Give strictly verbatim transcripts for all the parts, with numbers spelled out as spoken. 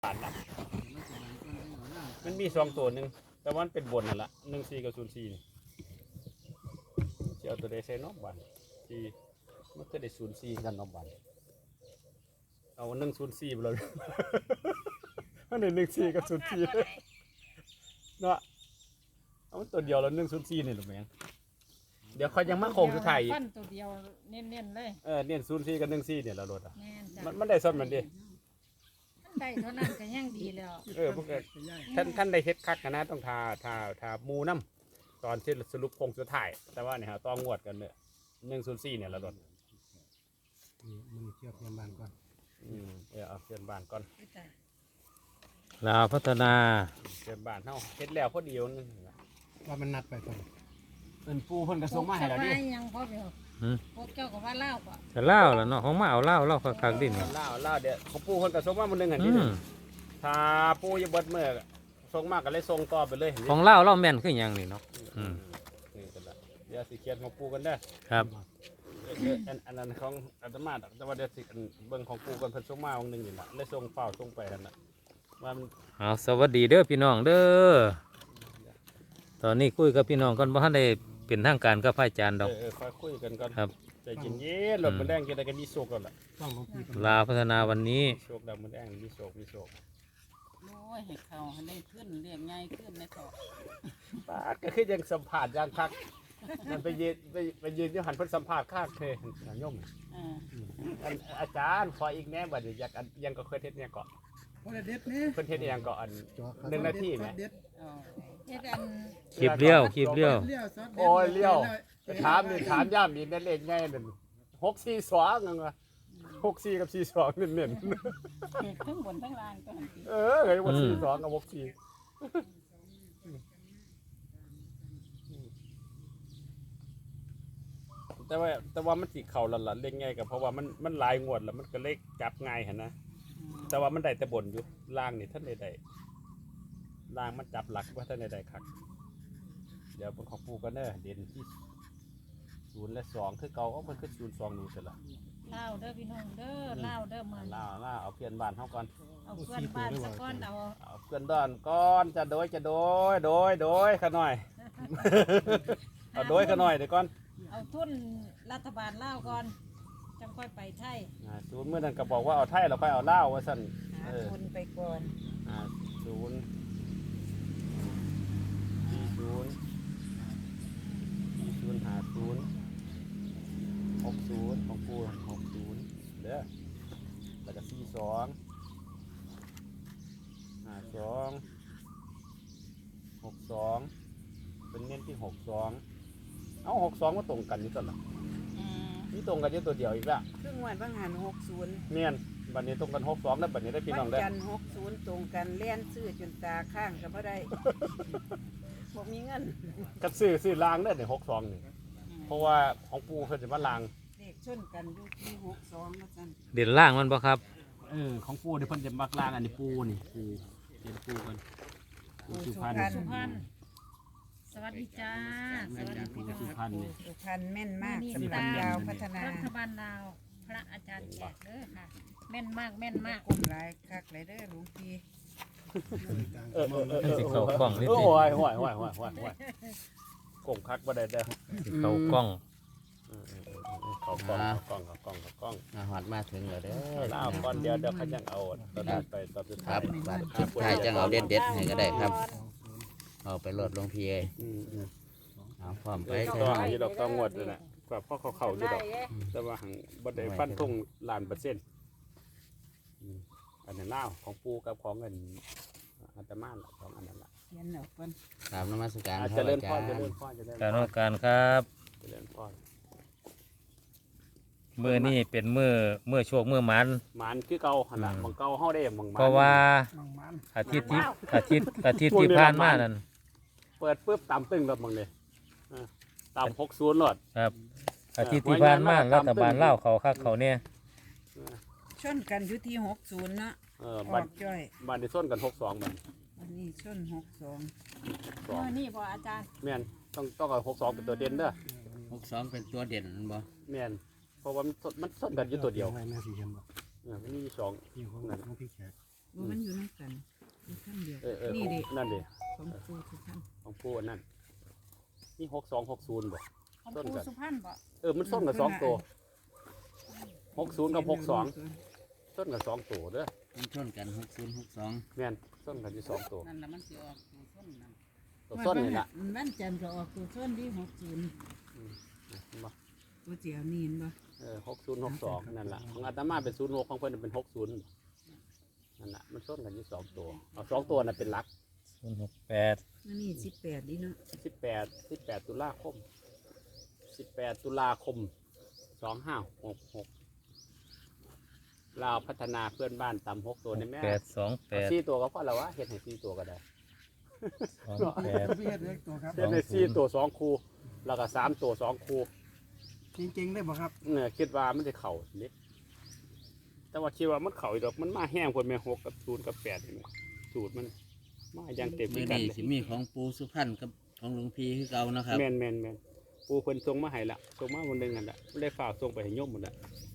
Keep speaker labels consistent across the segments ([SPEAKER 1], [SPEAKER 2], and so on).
[SPEAKER 1] ผ่านนะมันมีสองตัวหนึ่งแต่ว่ามันเป็นบนนั่นแหละหนึ่งสี่กับศูนย์สี่จะเอาตัวใดใส่นอกบันที่มันก็ได้ศูนย์สี่กันนอกบันเอาหนึ่งศูนย์สี่ไปเลยมันได้หนึ่งสี่กับศูนย์สี่เนาะเอาตัวเดียวแล้วหนึ่งศูนย์สี่นี่หรือไม่เดี๋ยวเขายังมาโค้งสุดท้ายอีก
[SPEAKER 2] ฟันตัวเดียวเน้นๆเลย
[SPEAKER 1] เออเน้นศูนย์สี่กับหนึ่งสี่เนี่ยเราโดดอ่ะ
[SPEAKER 2] มั
[SPEAKER 1] มันมันได้ซ้ำมันดิ
[SPEAKER 2] ได้เท่านั้นก็ยังดีแล้ว
[SPEAKER 1] เออพวกท่านท่านได้เฮ็ดคักกันนะต้องทาทาทามูน้ำตอนที่สรุปโค้งสุดท้ายแต่ว่าเนี่ยฮะต้องงวดกันเนี่ยหนึ่งศูนย์สี่เนี่ยเราโดด
[SPEAKER 3] มันเชื่อเพื่อนบ้านก่อน
[SPEAKER 1] อืมเออเอาเพื่อนบ้านก่อน
[SPEAKER 4] ลาวพัฒนา
[SPEAKER 1] เพื่อนบ้านเฮาเฮ็ดแล้วพอดีนึง
[SPEAKER 3] ว่ามันนัดไปก่อน
[SPEAKER 1] เอิ้นปูเพิ่นก็ส่งมาให้แล้วดิ
[SPEAKER 2] ยังพอเดียวพวกเจ้าก็ว่าเล่าป่ะ
[SPEAKER 4] จะเล่าแล้วเนาะของมาเอาเล่าเล่าคักๆดิเนี่ย
[SPEAKER 1] เล่าเล่าเดี๋ยวเขาปูเพิ่นก็ส่งมามื้อนึงหั่นดิถ้าปูอยู่เบิดมื้อส่งมาก็เลยส่งต่อไปเลย
[SPEAKER 4] ของเล่าเล่าแม่นคือหยังนี่เนาะอืม
[SPEAKER 1] นี่ก็ได้เดี๋ยวสิเขียนของปูกันเด้อ
[SPEAKER 4] ครับ
[SPEAKER 1] อันอันนั้นของอาตมาแต่ว่าเดี๋ยวสิเบิ่งของปูกันเพิ่นส่งมาวันนึงนี่ล่ะเลยส่งเฝ้าส่งไปนั่นน่ะว่ามัน
[SPEAKER 4] เอาสวัสดีเด้อพี่น้องเด้อตอนนี้คุยกับพี่น้องก่อนบ่ทันได้เป็นทางการกับพระอาจารย์ดอก
[SPEAKER 1] เออค่อยคุยกันก่อน
[SPEAKER 4] ครับ
[SPEAKER 1] ใจเย็นๆรถมันแดงจะได้กันมีโชคแล้วล่ะ
[SPEAKER 4] ลาวพัฒนาวันนี้
[SPEAKER 1] โชคดำมันแดงมีโชคมีโชค
[SPEAKER 2] โอ้ยให้เขาให้ได้ขึ้นเรียงง่ายขึ้นในต่อ
[SPEAKER 1] ป้าก็คือยังสัมผัสยังคักมันไปยืนไปไปยืนอยู่หันเพิ่นสัมผัสคักเคยโยมอาจารย์ขออีกแน่บัดนี้อยากยังก็เคยเทศเนี่ยเกาะเพิ่นเทศยังเกาะอันหนึ่งนาทีไหม
[SPEAKER 4] คลิปเลี้ยวคลิปเลี้ยว
[SPEAKER 1] โอ้ยเลี้ยวถามนี่ถามย่ำนี่นั่นเองไงนั่นหกสี่สองนั่นวะหกสี่กับสี่สองเน้น
[SPEAKER 2] ๆทั้งบนทั้งล่างก็
[SPEAKER 1] เออเฮ้ยว่าสี่สองกับหกสี่แต่ว่าแต่ว่ามันสีเข่าหลันๆเล่นง่ายกับเพราะว่ามันมันลายงวดแล้วมันก็เล็กจับง่ายเห็นนะแต่ว่ามันได้แต่บนอยู่ล่างนี่ท่านใดๆล่างมันจับหลักว่าท่านใดๆครับเดี๋ยวเป็นของปูกันเนอะเด่นที่ศูนย์และสองคือเก่าก็มันคือศูนย์สองนู่นเสร็จละ
[SPEAKER 2] เล่าเด้อพี่น้องเด้อเล่าเด้อมัน
[SPEAKER 1] เล่าเล่าเอาเพื่อนบ้านเขาก่อน
[SPEAKER 2] เอาเพื่อนบ้านสักก้อนเอา
[SPEAKER 1] เอาเพื่อนบ้านก้อนจะโดยจะโดยโดยโดยขน่อยเอาโดยขน่อยเดี๋ยวก่อน
[SPEAKER 2] เอาทุนรัฐบาลเล่าก่อนจังค่อยไปไทย
[SPEAKER 1] ศูนย์เมื่อนั้นก็บอกว่าเอาไทยเราไปเอาเล่าว่าสั่น
[SPEAKER 2] ทุนไปก่อน
[SPEAKER 1] ศูนย์ศูนย์ศูนย์หาศูนย์หกศูนย์ของปูหกศูนย์เด้อแล้วก็สี่สองหาสองหกสองเป็นเน้นที่หกสองเอาหกสองมาตรงกันนี่ตลอดนี่ตรงกันที่ตัวเดียวอีกแล้ว
[SPEAKER 5] ครึ่งวันบางหันหกศูนย์
[SPEAKER 1] เมียนบัดนี้ตรงกันหกสองแล้วบัดนี้ได้พี่น้องได้
[SPEAKER 5] จันหกศูนย์ตรงกันเลี้ยนซื้อจนตาข้างกับพ่ได้บอกมีเงิน
[SPEAKER 1] กับซื้อซื้อลางได้ในหกสองนี่เพราะว่าของปูเขาจะมาลาง
[SPEAKER 5] เด็กชนกันอยู่ที่หกสองมาจัน
[SPEAKER 4] เด่นล่างมันปะครับ
[SPEAKER 1] เออของปูเดี๋ยวเพิ่นจะมักลางอันนี้ปูนี่ปูเด่นปูกัน
[SPEAKER 5] ปูสุพรรณ
[SPEAKER 2] สุพรรณสวัสดีจ้าสวัสดีพี่น้อง
[SPEAKER 1] สุพรรณ
[SPEAKER 5] สุพรรณแม่นมากสำหรับดาวพัฒนา
[SPEAKER 2] รัฐบาลลาวพระอาจารย์แจกเด้อค่ะแม่นมากแม่นมาก
[SPEAKER 5] กลุ่มหลายคักหลายเด้อหลวงพี่
[SPEAKER 1] เออเออเออ
[SPEAKER 4] สิเขากล้องนิดนึง
[SPEAKER 1] โอ้ยโอ้ยโอ้ยโอ้ยโอ้ยโอ้ยกงคักบ่ได้เด้อ
[SPEAKER 4] สิเขากล้อง
[SPEAKER 1] เขากล้องเขากล้องเขากล้องเขากล้อง
[SPEAKER 3] มาหอดมาถึงแล้วเด้อ
[SPEAKER 1] ลาวก่อนเดียวเดี๋ยวเขายังเอาตอนนั้นไปตอนสุดท้าย
[SPEAKER 3] บัดสุดท้ายจังเอาเด็ดเด็ดให้ก็ได้ครับเอาไปลดลงพีเอเอาพร้อมไป
[SPEAKER 1] ต้องอยู่ดอกต้องงวดเลยนะกว่าพ่อเขาเข่าอยู่ดอกแต่ว่าหังบัดได้ฟันทุ่งล้านเปอร์เซ็นต์อันนั้นเล่าของปูกับของเงินอาตมาของอันนั้นละ
[SPEAKER 5] เขียนเอาเพิ่น
[SPEAKER 3] ตามนมัสการ
[SPEAKER 1] เจริญพรเจริญพรเจริญ
[SPEAKER 4] การนการครับ
[SPEAKER 1] เจริญพร
[SPEAKER 4] เมื่อนี่เป็นเมื่อเมื่อโชคเมื่อมัน
[SPEAKER 1] มันคือเก่าขนาดมังเก่าเฮาได้มังมัน
[SPEAKER 4] เพราะว่าอาทิตย์ที่อาทิตย์อาทิตย์ที่ผ่านมานั่น
[SPEAKER 1] เปิดปุ๊บตามตึ้งรถมังเลยตามหกศูนย์รถ
[SPEAKER 4] ครับอาทิตย์ที่ผ่านมารัฐบาลเล่าเขาคักเขาเนี่ย
[SPEAKER 5] ชนกันอยู่ที่หกศูนย์เนาะ
[SPEAKER 1] ออกจ้อยบ้านที่ส้นกันหกสองบ้าน
[SPEAKER 5] วันนี้ชนหกสอง
[SPEAKER 2] เมื่อนี่พออาจารย์
[SPEAKER 1] แม่นต้องต้องเอาหกสองเป็นตัวเด่นเด้อ
[SPEAKER 3] หกสองเป็นตัวเด่นบ่
[SPEAKER 1] แม่นเพราะว่ามันมันส้นกันอยู่ตัวเดียว
[SPEAKER 3] แม่สีเขียวบ่
[SPEAKER 1] เออมันมีสอง
[SPEAKER 3] ที่ของของพี่แขก
[SPEAKER 5] บ่มันอยู่นํกันอยู่ขั้นเดียว
[SPEAKER 1] เออเออ
[SPEAKER 5] นี่ดิ
[SPEAKER 1] นั่นดิ
[SPEAKER 5] ของปูสุพรรณ
[SPEAKER 1] ของปูอันนั้นนี่หกสองหกศูนย์บ่
[SPEAKER 2] ของ
[SPEAKER 1] ต้น
[SPEAKER 2] ปู
[SPEAKER 1] กัน
[SPEAKER 2] สุพรรณบ่
[SPEAKER 1] เออมันส้นกับสองตัวหกศูนย์กับหกสองส้นกับสองตัวเด้อ
[SPEAKER 3] มันชนกันหกศูนย์หกสอง
[SPEAKER 1] แม่นส้นกันอยู่สองตัว
[SPEAKER 5] นั่นล่ะมันสิออกตัวส้นนั่น
[SPEAKER 1] ตัวส้นนี่ล่ะ
[SPEAKER 5] มันจันทร์ก็ออกตัวส้นที่หกศูนย์
[SPEAKER 1] บ่
[SPEAKER 5] ตัวเจียวนี่เห็นบ่
[SPEAKER 1] เออหกศูนย์หกสองนั่นล่ะของอาตมาเป็นศูนย์หกของเพิ่นเป็นหกศูนย์นั่นล่ะมันส้นกันอยู่สองตัวเอาสองตัวน่ะเป็นหลัก
[SPEAKER 4] ศูนย์หกแปด
[SPEAKER 5] อันนี้สิบแปดดิเนาะ
[SPEAKER 1] สิบแปดสิบแปดตุลาคมสิบแปดตุลาคมสองห้าหกหกลาวพัฒนาเพื่อนบ้านตำหกตัวในแม่
[SPEAKER 4] แปดสองแปด
[SPEAKER 1] สี่ตัวก็พอแล้ววะเห็ดให้สี่ตัวก็ได้
[SPEAKER 4] สองแปด
[SPEAKER 6] พี่เฮ็ดเล็กตัวครับ
[SPEAKER 1] เห็ดให้สี่ตัวสองคู่แล้วก็สามตัวสองคู่
[SPEAKER 6] จริงๆได้บ่ครับ
[SPEAKER 1] เนี่ยคิดว่ามันจะเข่าเล็กแต่ว่าคิดว่ามันเข่าอีกดอกมันมาแห้งคนแม่หกกับศูนย์กับแปดเห็นไหมสูตรมันมาอย่างเต็ม
[SPEAKER 3] มือ
[SPEAKER 1] กัน
[SPEAKER 3] นี้
[SPEAKER 1] เลย
[SPEAKER 3] สิมีของปูสุพรรณกับของหลวงพี่คือเก่านะครับ
[SPEAKER 1] แมนแมนแมนปูเพิ่นส่งมาให้ละส่งมาคนหนึ่งนั่นแหละเลยฝากส่งไปให้โยมหมดละ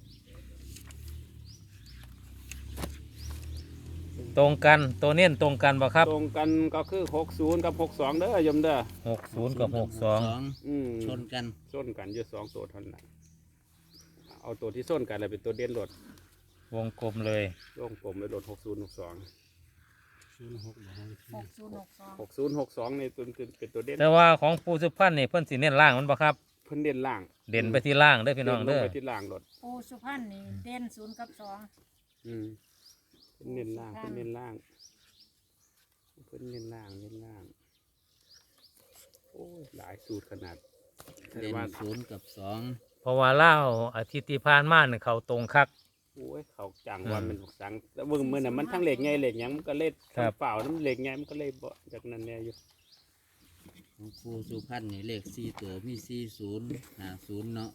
[SPEAKER 4] ตรงกันตัวเน้นตรงกันบ่ครับ
[SPEAKER 1] ตรงกันก็คือหกศูนย์กับหกสองเด้อโยมเด้อ
[SPEAKER 4] หกศูนย์กับหกสอง
[SPEAKER 1] อืม
[SPEAKER 3] ชนกัน
[SPEAKER 1] ส้นกันอยู่สองตัวเท่านั้นเอาตัวที่ส้นกันเลยเป็นตัวเด่นรถ
[SPEAKER 4] วงกลมเลย
[SPEAKER 1] โยงผมเลยรถหกศูนย์หกสอง
[SPEAKER 6] ศูนย์หกบ่ให้
[SPEAKER 2] หกศูนย์หกสอง
[SPEAKER 1] หกศูนย์หกสองในตัวเป็นตัวเด่น
[SPEAKER 4] แต่ว่าของปูสุพรรณนี่เพิ่นสิเน้นล่างมันบ่ครับ
[SPEAKER 1] เพิ่นเด่นล่าง
[SPEAKER 4] เด่นไปที่ล่างเด้อพี่น้อง
[SPEAKER 1] ล
[SPEAKER 4] เด้อ
[SPEAKER 1] ไปที่ล่างรถ
[SPEAKER 2] ปูสุพรรณนี่เด่นศูนย์กับสอง
[SPEAKER 1] อืมเพิ่นเน้นล่างเพิ่นเน้นล่างเพิ่นเน้นล่างเน้นล่างโอ้ยหลายสูตรขนาด
[SPEAKER 3] เด่น
[SPEAKER 1] ว่า
[SPEAKER 3] ศูนย์กับสอง
[SPEAKER 4] เพราะว่าเล่าวอาทิตย์ที่ผ่านมาเนี่ยเขาตรงคัก
[SPEAKER 1] โอ้ยเขาจัง
[SPEAKER 4] อืม
[SPEAKER 1] ว่ามันสังแต่เบิ่งมื้อน่ะมันทั้งเหล็กไงเหล็กหยังมันก็เล่
[SPEAKER 4] ครับ
[SPEAKER 1] เปล่าน้ำเหล็กไงมันก็เลยบ่จากนั้นแน่อยู่
[SPEAKER 3] ของปูสุพรรณนี่เลขสี่ตัวมีสี่ศูนย์ห้าศูนย์เนาะ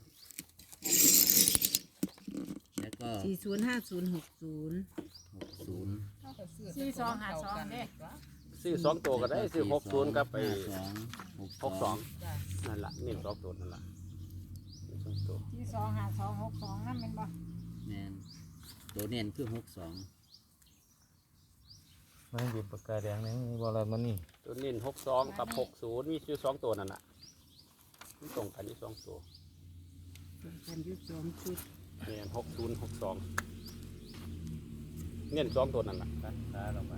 [SPEAKER 3] แล้วก็
[SPEAKER 5] สี่ศูนย์ห้าศูนย์หกศูนย์
[SPEAKER 3] หกศูนย์
[SPEAKER 2] สี่สองหาสองเด้
[SPEAKER 1] ซื้อสองตัวก็ได้ซื้อหกศูนย์กับไป
[SPEAKER 3] สองหก
[SPEAKER 1] หกสองนั่นล่ะนี่สองตัวนั่นล่ะนี่สองตัว
[SPEAKER 2] สี่สองหาสองหกสองนั่นเป็นบ่
[SPEAKER 3] แมนตัวเน้นคือหกสอง
[SPEAKER 4] มันหยิบปากกาแดงนี่มีบ่อะไรมันนี่
[SPEAKER 1] ตัวนี้หกสองกับหกศูนย์มีชื่อสองตัวนั่นน่ะมันตรงกันที่สองตัว
[SPEAKER 5] กันอยุสองชุด
[SPEAKER 1] เนี่ยหกศูนย์หกสองเน้นสองตัวนั่นล่ะ
[SPEAKER 4] ตัดขาลงมา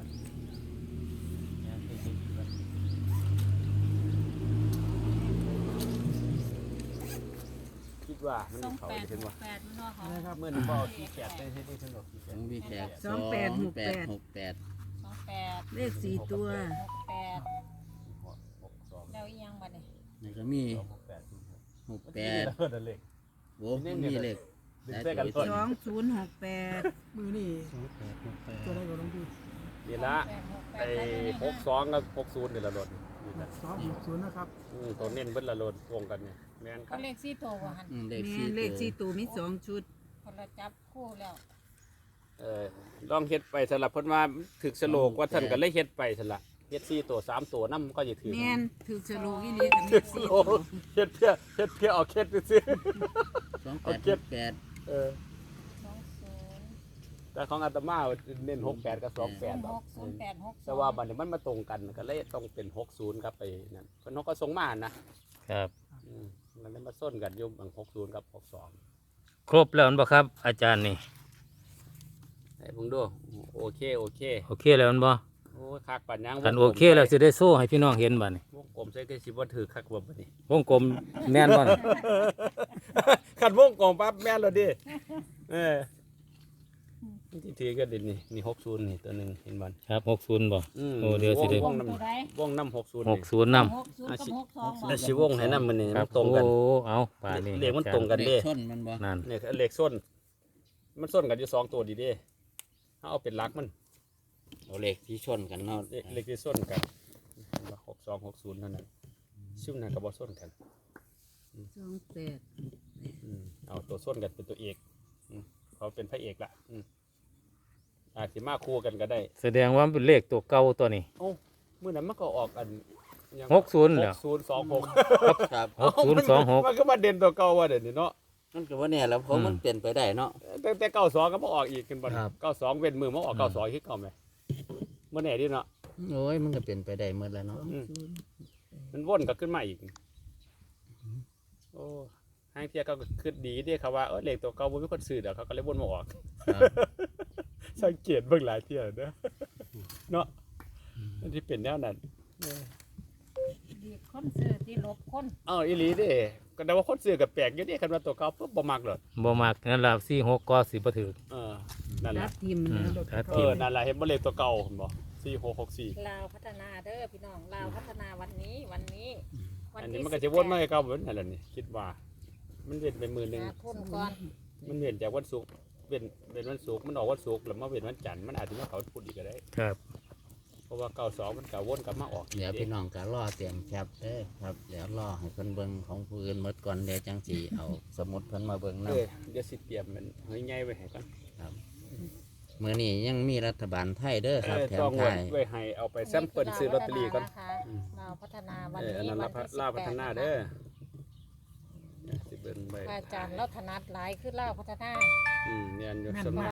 [SPEAKER 1] คิดว่ามัน
[SPEAKER 2] สอง
[SPEAKER 1] เขา
[SPEAKER 2] แปด
[SPEAKER 1] จะเป็น
[SPEAKER 2] ห
[SPEAKER 1] ว่าก
[SPEAKER 2] แปดมันว่าเขา
[SPEAKER 6] นะครับ
[SPEAKER 1] เมื่อนี้พ่อที่แปดได้ที่ได้ทั้งหมดที่แป
[SPEAKER 3] ข
[SPEAKER 1] ด
[SPEAKER 3] องพี่แขก
[SPEAKER 5] สองแปดหกแปด
[SPEAKER 3] หกแปด
[SPEAKER 2] สองแปด
[SPEAKER 5] เลขสี่ตัว
[SPEAKER 2] หกแปด
[SPEAKER 1] หกสอง
[SPEAKER 2] แล้วอีกอยังบัดนี้
[SPEAKER 3] แล้วก็มี
[SPEAKER 1] หกแปดศูนย์หก
[SPEAKER 3] หกแปด
[SPEAKER 1] เพิ่นนั่นเลข
[SPEAKER 3] โว้มันมีเลข
[SPEAKER 1] ดึงใส่กัน
[SPEAKER 5] สองศูนย์หกแปด
[SPEAKER 6] มือนี่ตัวได้ก็ต้องพี่
[SPEAKER 1] นี่ละ
[SPEAKER 2] แปดหกแป
[SPEAKER 1] ไอ้
[SPEAKER 2] ดได้อยู่ใน
[SPEAKER 1] หกสองกับหกศูนย์นี่ละรถนี่นะ
[SPEAKER 6] สองหกศูนย์นะครับ
[SPEAKER 1] อืมตัวเน้นเบิ้ลละรถวงกันเนี่ยแม่นค
[SPEAKER 2] ก็
[SPEAKER 1] รับ
[SPEAKER 2] เลขสี่ตัวบ่หัน
[SPEAKER 3] อืมเลข
[SPEAKER 5] แม่
[SPEAKER 3] สี่
[SPEAKER 5] นเลขสี่
[SPEAKER 3] ตัว
[SPEAKER 5] ตัวมีสองชุด
[SPEAKER 2] คนละจับคู่แล้ว
[SPEAKER 1] เออลองเฮ็ดไปสลับเพิ่นว่าถึกสโลกว่าท่านก็เลยเฮ็ดไปสละเฮ็ดสี่ตัวสามตัวนำก็จะถือ
[SPEAKER 5] แม่นถือฉลูกอีเลียกันเล
[SPEAKER 1] เฮ็ด
[SPEAKER 5] ข
[SPEAKER 1] ส
[SPEAKER 5] สี่
[SPEAKER 1] โล
[SPEAKER 5] ตัว
[SPEAKER 1] กเฮ็ดเพื่อเฮ็ดเพื่อเอาเคล็ดไปซื้อ
[SPEAKER 3] สองแป
[SPEAKER 1] เอา
[SPEAKER 3] ด
[SPEAKER 1] เก็
[SPEAKER 3] ห
[SPEAKER 1] บ
[SPEAKER 3] กแปด
[SPEAKER 1] เออ
[SPEAKER 2] สองศูนย์
[SPEAKER 1] แต่ของอาตมาเน้นหกแปดกับสองแปด
[SPEAKER 2] หกศูนย์แปดหกสอง
[SPEAKER 1] แต่ว่าบัดนี้มันมาตรงกันก็เลยต้องเป็นหกศูนย์ครับไปนั่นเพิ่นเขาก็ส่งมานะครับ อืมมันเลยมาส้นกันอยู่บางหกศูนย์กับหกสอง
[SPEAKER 4] ครบแล้วมันบ่ครับ อาจารย์นี่
[SPEAKER 1] ให้เพิ่งดูโอเคโอเค
[SPEAKER 4] โอเคแล้วมันบ่
[SPEAKER 1] โอ้ยคักปัญญัง
[SPEAKER 4] คันโอเคแล้วสิได้โซ่ให้พี่น้องเห็นบัดนี้
[SPEAKER 1] วงกลมใส่ก็สิบ่ถือคักบ่บัดนี้
[SPEAKER 4] วงกลมแม่นบ่น่ะ
[SPEAKER 1] ขันวงกลมปั๊บแม่นแล้วดิเออที่ถือก็ดินี่นี่หกศูนย์นี่ตัวหนึงเห็นบ่
[SPEAKER 4] ครับหกศูนย์บ่
[SPEAKER 1] อืม
[SPEAKER 4] โอ้เดี๋ยวสิได้
[SPEAKER 1] วง
[SPEAKER 2] ตัว
[SPEAKER 1] น้ำ
[SPEAKER 2] ใด
[SPEAKER 1] วงน้ำหกศูนย์
[SPEAKER 4] หกศูนย์นำ
[SPEAKER 2] หกศูนย์กับหกสองบ่
[SPEAKER 1] แล้วสิวงให้น้ำมันนี่
[SPEAKER 4] ครั
[SPEAKER 1] มั
[SPEAKER 4] บ
[SPEAKER 1] นตรงกัน
[SPEAKER 4] โอ้เอาป่านนี้
[SPEAKER 1] เลขมันตรงกัน
[SPEAKER 3] เล
[SPEAKER 1] เด้
[SPEAKER 3] ขชนมันบ่
[SPEAKER 4] นั่น
[SPEAKER 1] เนี่ยเลขส้น มันส้นกันอยู่สองตัวดีเด้ถ้าเอาเป็นหลักมัน
[SPEAKER 3] เอาเลขที่ชนกันเนาะ
[SPEAKER 1] เลขเลขที่ส้นกันหกสองหกศูนย์เท่านั้นซึ่งนั่นก็บ่ส้นกัน
[SPEAKER 5] สองแปด
[SPEAKER 1] อืมเอาตัวส้นกันเป็นตัวเอกอืมเขาเป็นพระเอกละอืมอาจสิมาคู่กันก็ได้
[SPEAKER 4] แสดงว่ามันเป็นเลขตัวเก่าตัวนี้
[SPEAKER 1] โอ้เมื่อนั้นมันก็ออกอันยัง
[SPEAKER 4] หกศูนย์เหรอ
[SPEAKER 1] หกศูนย์สองหก
[SPEAKER 3] ครับ
[SPEAKER 4] หกศูนย์สองหก
[SPEAKER 1] มันก็มาเด่นตัวเก่าว่าเด่นนี่เนาะ
[SPEAKER 3] มันก็ว่าเนี่ยแล้วเพราะมันเปลี่ยนไปได้เนาะ
[SPEAKER 1] แต่แต่เก้าสองก็มาออกอีกกันบ่
[SPEAKER 4] ครับ
[SPEAKER 1] เก้าสองเว้นมือมาออก
[SPEAKER 4] อืม
[SPEAKER 1] เก้าสองคิดเก่าไหมบ่แน่ดิเนาะ
[SPEAKER 3] โอ้ยมันก็เป็นไปได้หมดแล้วเนาะ
[SPEAKER 1] อืมมันวนก็ขึ้นมาอีกโอ้ห้างเที่ยเขาก็คิดดีเด้เขาว่าเออเลขตัวเก่าบ่มีคนซื้อดอกเขาก็เลยวนมาออก
[SPEAKER 3] ครับ
[SPEAKER 1] สังเกตเบิ่งหลายเที่ยเด้อเนาะมันที่เป็นแนวนั้น
[SPEAKER 2] ดีคนซื้อที่ลบคน
[SPEAKER 1] เอ้าอีหลีเด้ก็ได้ว่าคนซื้อก็แปลกอยู่เด้คันว่าตัวเก่าปุ๊บบ่มักหรอก
[SPEAKER 4] บ่มักนั่นล่ะสี่หกก็สิบ่ถือ
[SPEAKER 1] เออนั่น
[SPEAKER 5] รั
[SPEAKER 1] ล่ะ
[SPEAKER 5] บทีม
[SPEAKER 4] อืม
[SPEAKER 5] นะ
[SPEAKER 4] ถ้า
[SPEAKER 1] เอ
[SPEAKER 4] ทีม
[SPEAKER 1] อนั่นล่ะเห็นบ่เลขตัวเก่าเห็นบ่สี่หกหกสี่
[SPEAKER 2] ลาวพัฒนาเด้อพี่น้องลาวพัฒนาวันนี้วันนี้วั
[SPEAKER 1] อันนี้
[SPEAKER 2] ที่
[SPEAKER 1] มันก็จะวนมาให้เก่าเหมือนนั่นแหละนี่คิดว่า มันเว้นไปมื้อหนึง
[SPEAKER 2] หาทุนก่อน
[SPEAKER 1] มันเว้นจากวันศุกร์เว้นเว้นวันศุกร์มันออกวันศุกร์แล้วมาเว้นวันจันทร์มันอาจจะมาเขาพูดอีกก็ได้
[SPEAKER 4] ครับ
[SPEAKER 1] เพราะว่าเก้าสองมันก็วนกลับมาออกอีก
[SPEAKER 3] เดี๋ยว
[SPEAKER 1] เด้
[SPEAKER 3] พี่น้องก็รอเตรียมแคปเด้อครับเดี๋ยวรอให้เพิ่นเบิ่งของผู้อื่นหมดก่อนเดี๋ยวจังสิเอาสมุดเพิ่นมาเบิ่ง
[SPEAKER 1] เอ
[SPEAKER 3] นํ
[SPEAKER 1] อเดี๋ยวสิเตรียมมันเฮ้ยใหญ่ไว้ให้ก่อน
[SPEAKER 3] มื้อนี้ยังมีรัฐบาลไทยเด้อครับ
[SPEAKER 1] เออ
[SPEAKER 3] แถ
[SPEAKER 1] ต้
[SPEAKER 3] ม
[SPEAKER 1] อง
[SPEAKER 3] ไท
[SPEAKER 1] ไว้
[SPEAKER 3] ย
[SPEAKER 1] ไว้ให้เอาไปแซมเปิลซื้อลอตเตอรี่ก่อน
[SPEAKER 2] ลาวพัฒนาวัน
[SPEAKER 1] เอออัน
[SPEAKER 2] นี้
[SPEAKER 1] นั้น
[SPEAKER 2] วั
[SPEAKER 1] ลาน
[SPEAKER 2] ที่สิบ
[SPEAKER 1] ลาวพั
[SPEAKER 2] แป
[SPEAKER 1] ฒ
[SPEAKER 2] ด
[SPEAKER 1] นา
[SPEAKER 2] นะคะ
[SPEAKER 1] เด้อสิเบิ่งไว้
[SPEAKER 2] อาจารย์เราถนัดหลายคือลาวพัฒนา
[SPEAKER 1] อืมเรียนอยู่
[SPEAKER 5] แม่น
[SPEAKER 1] ส
[SPEAKER 5] บ่
[SPEAKER 1] มัย